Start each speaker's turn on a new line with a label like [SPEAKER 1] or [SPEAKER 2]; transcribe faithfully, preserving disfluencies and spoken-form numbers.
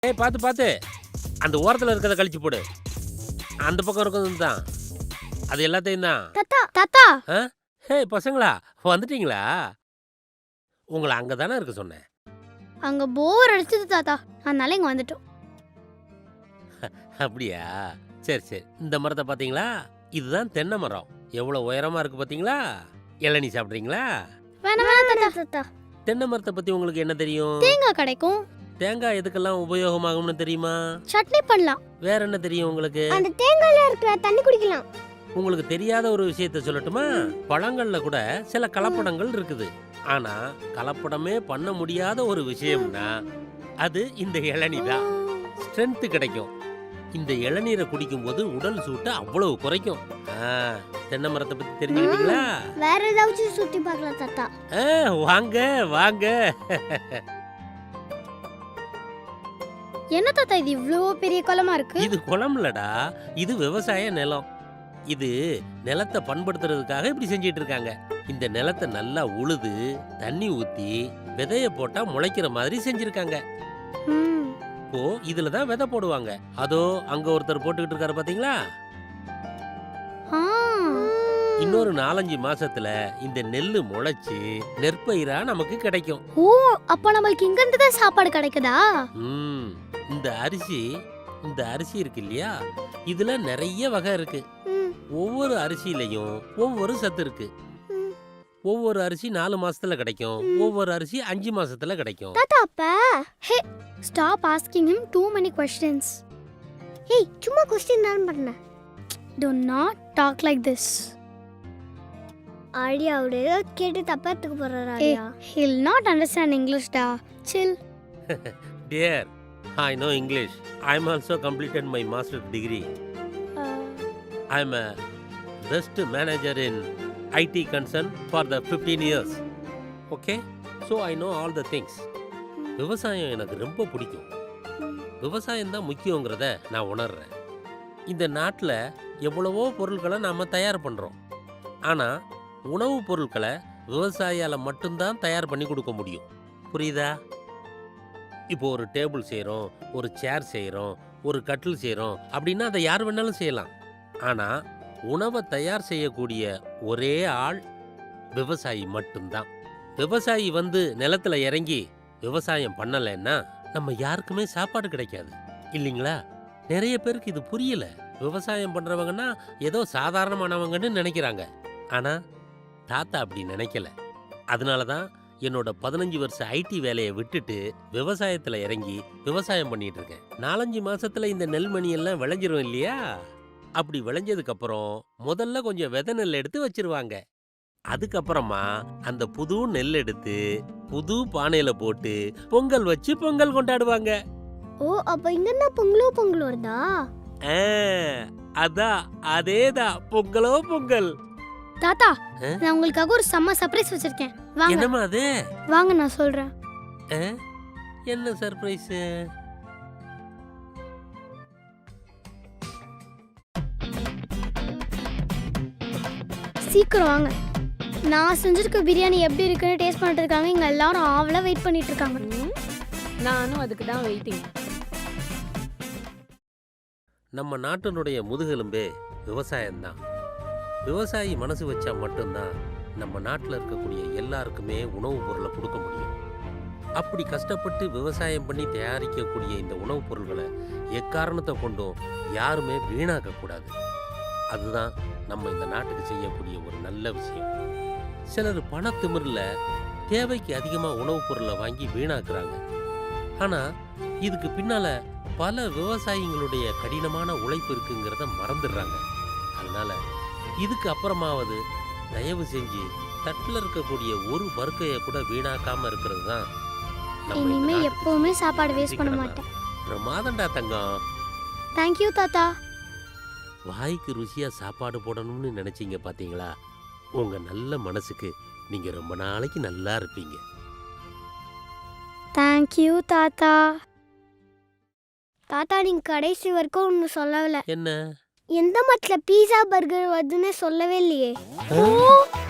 [SPEAKER 1] ஏய் பார்த்து பார்த்து அந்த ஓரத்தில் இருக்கிறத கழிச்சு போடு. அந்த பக்கம் இருக்கிறது தான் அது எல்லாத்தையும் தான்.
[SPEAKER 2] தாத்தா தாத்தா
[SPEAKER 1] ஆ ஹே பசங்களா வந்துட்டீங்களா? உங்களை அங்கே தானே இருக்க சொன்னேன்.
[SPEAKER 2] அங்க போர் அடிச்சது தாத்தா, அதனால இங்க வந்துட்டோம்.
[SPEAKER 1] அப்படியா? சரி சரி. இந்த மரத்தை பார்த்தீங்களா? இதுதான் தென்னை மரம். எவ்வளோ உயரமா இருக்கு பார்த்தீங்களா? இளநீ சாப்பிட்றீங்களா?
[SPEAKER 2] வேணாம் வேணாம் தாத்தா.
[SPEAKER 1] தென்னை மரத்தை பற்றி உங்களுக்கு என்ன தெரியும்?
[SPEAKER 2] தேங்காய் கிடைக்கும்.
[SPEAKER 1] தேங்காய் எதுக்கெல்லாம் உபயோகமாகும்னு தெரியுமா?
[SPEAKER 2] சட்னி பண்ணலாம்.
[SPEAKER 1] வேற என்ன தெரியும் உங்களுக்கு?
[SPEAKER 2] அந்த தேங்காயில இருக்கிற தண்ணி குடிக்கலாம்.
[SPEAKER 1] உங்களுக்கு தெரியாத ஒரு விஷயத்த சொல்லட்டுமா? பழங்கள்ல கூட சில கலப்படங்கள் இருக்குது. ஆனா கலப்படமே பண்ண முடியாத ஒரு விஷயம்னா அது இந்த இளநீ தான். ஸ்ட்ரென்த் கிடைக்கும். இந்த இளநீரை குடிக்கும் போது உடல் சூட்டை அவ்வளவு குறைக்கும். தென்னை மரத்தை பத்தி தெரிஞ்சுக்கிட்டீங்களா?
[SPEAKER 2] வேற ஏதாச்சும் சுத்தி பார்க்கலாம் தாத்தா.
[SPEAKER 1] வாங்க வாங்க.
[SPEAKER 2] என்ன தாத்தா இது இவ்ளோ பெரிய குளமா இருக்கு?
[SPEAKER 1] இது குளம் இல்லடா, இது விவசாய நிலம். இது நிலத்தை பண்படுத்துறதுக்காக இப்படி செஞ்சிட்டு இருக்காங்க. இந்த நிலத்தை நல்லா உழுது தண்ணி ஊத்தி விதைய போட்டா முளைக்கிற மாதிரி செஞ்சிருக்காங்க. இப்போ இதுலதான் விதை போடுவாங்க. அதோ அங்க ஒருத்தர் போட்டுக்கிட்டு இருக்காரு பாத்தீங்களா? இன்னொரு நாலஞ்சு மாசத்துல இந்த நெல்லு முளைச்சு நெற்பயிரா நமக்கு கிடைக்கும்.
[SPEAKER 2] ஓ, அப்ப நமக்கு இங்க இருந்து தான் சாப்பாடு கிடைக்குதா?
[SPEAKER 1] ம் இந்த அரிசி இந்த அரிசி இருக்கு இல்லையா, இதுல நிறைய வகை இருக்கு. ஒவ்வொரு அரிசியிலையும் ஒவ்வொரு சத்து இருக்கு. ஒவ்வொரு அரிசி நாலு மாசத்துல கிடைக்கும், ஒவ்வொரு அரிசி அஞ்சு மாசத்துல கிடைக்கும்.
[SPEAKER 2] தாத்தா அப்ப hey stop asking him too many questions. ஏய் சும்மா क्वेश्चन தான் பண்ணேன். Do not talk like this. ஆடியா அவரே கேட்டு தப்பத்துக்கு போறாரா? ஆடியா he'll not understand English da. Chill.
[SPEAKER 1] Dear, I know English. I'm also completed my master's degree.
[SPEAKER 2] Uh,
[SPEAKER 1] I'm a best manager in I T concern for the fifteen years. Okay? So I know all the things. விவசாயம் எனக்கு ரொம்ப பிடிக்கும். விவசாயம் தான் முக்கியங்கிறத நான் உணர்றேன். இந்த நாட்டில் எவ்வளவோ பொருட்களை நாம் தயார் பண்ணுறோம். ஆனால் உணவுப் பொருட்களை விவசாயியால் மட்டும்தான் தயார் பண்ணி கொடுக்க முடியும். புரியுதா? இப்போ ஒரு டேபிள் செய்கிறோம், ஒரு சேர் செய்கிறோம், ஒரு கட்டில் செய்கிறோம் அப்படின்னா அதை யார் வேணாலும் செய்யலாம். ஆனால் உணவை தயார் செய்யக்கூடிய ஒரே ஆள் விவசாயி மட்டும்தான். விவசாயி வந்து நிலத்துல இறங்கி விவசாயம் பண்ணலைன்னா நம்ம யாருக்குமே சாப்பாடு கிடைக்காது இல்லைங்களா? நிறைய பேருக்கு இது புரியல. விவசாயம் பண்றவங்கன்னா ஏதோ சாதாரணமானவங்கன்னு நினைக்கிறாங்க. ஆனா தாத்தா அப்படி நினைக்கல. அதனாலதான் என்னோட பதினஞ்சு வருஷ ஐடி வேலையை விட்டுட்டு விவசாயத்துல இறங்கி விவசாயம் பண்ணிட்டு இருக்கேன். நாலஞ்சு மாசத்துல இந்த நெல்மணி எல்லாம் விளைஞ்சிரும் இல்லையா? அப்படி விளைஞ்சதுக்கு அப்புறம் முதல்ல கொஞ்சம் விதை நெல் எடுத்து வச்சிருவாங்க. அதுக்கப்புறமா அந்த புது நெல் எடுத்து புது பானையில போட்டு பொங்கல் வச்சு பொங்கல் கொண்டாடுவாங்க.
[SPEAKER 2] ஓ, அப்ப இங்க என்ன பொங்கலோ பொங்கல் வருதா?
[SPEAKER 1] அதான் அதேதான் பொங்கலோ பொங்கல்.
[SPEAKER 2] தாத்தா நான் உங்களுக்காக ஒரு செம்ம சர்ப்ரைஸ் வச்சிருக்கேன். வாங்க.
[SPEAKER 1] என்னமா அது?
[SPEAKER 2] வாங்க நான் சொல்றேன்.
[SPEAKER 1] என்ன சர்ப்ரைஸ்?
[SPEAKER 2] சீக்கிரம் வாங்க. நான் செஞ்சிருக்க பிரியாணி எப்படி இருக்குன்னு டேஸ்ட் பண்ணிட்டு இங்க எல்லாரும் ஆவலா வெயிட் பண்ணிட்டு இருக்காங்க.
[SPEAKER 3] நானும் அதுக்கு தான் வெயிட்டிங்.
[SPEAKER 1] நம்ம நாட்டினுடைய முதுகெலும்பே விவசாயம்தான். விவசாயி மனசு வச்சா மட்டும்தான் நம்ம நாட்டில் இருக்கக்கூடிய எல்லாருக்குமே உணவுப் பொருளை கொடுக்க முடியும். அப்படி கஷ்டப்பட்டு விவசாயம் பண்ணி தயாரிக்கக்கூடிய இந்த உணவுப் பொருள்களை எக்காரணத்தை கொண்டும் யாருமே வீணாக்கக்கூடாது. அதுதான் நம்ம இந்த நாட்டுக்கு செய்யக்கூடிய ஒரு நல்ல விஷயம். சிலர் பணத்திமிரில் தேவைக்கு அதிகமாக உணவுப் பொருளை வாங்கி வீணாக்குறாங்க. ஆனால் இதுக்கு பின்னால பல விவசாயிகளுடைய கடினமான உழைப்பு இருக்குங்கிறத மறந்துடுறாங்க. அதனால இதுக்கு அப்புறமாவது தயவு செஞ்சு தட்டில் இருக்கக்கூடிய ஒரு பருக்கையை கூட வீணாக்காம இருக்கிறது தான்.
[SPEAKER 2] இனிமே எப்பவுமே சாப்பாடு வேஸ்ட் பண்ண மாட்டேன்.
[SPEAKER 1] பிரமாதண்டா தங்கம்.
[SPEAKER 2] தேங்க்யூ தாத்தா.
[SPEAKER 1] வாய்க்கு ருசியா சாப்பாடு போடணும்னு நினைச்சீங்க பாத்தீங்களா? உங்க நல்ல மனசுக்கு நீங்க ரொம்ப நாளைக்கு நல்லா இருப்பீங்க.
[SPEAKER 2] தேங்க்யூ தாத்தா. தாத்தா நீங்க கடைசி வரைக்கும் ஒன்னு சொல்லல.
[SPEAKER 1] என்ன?
[SPEAKER 2] எந்த மட்ல பீஸா பர்கர் வருதுன்னு சொல்லவே இல்லையே.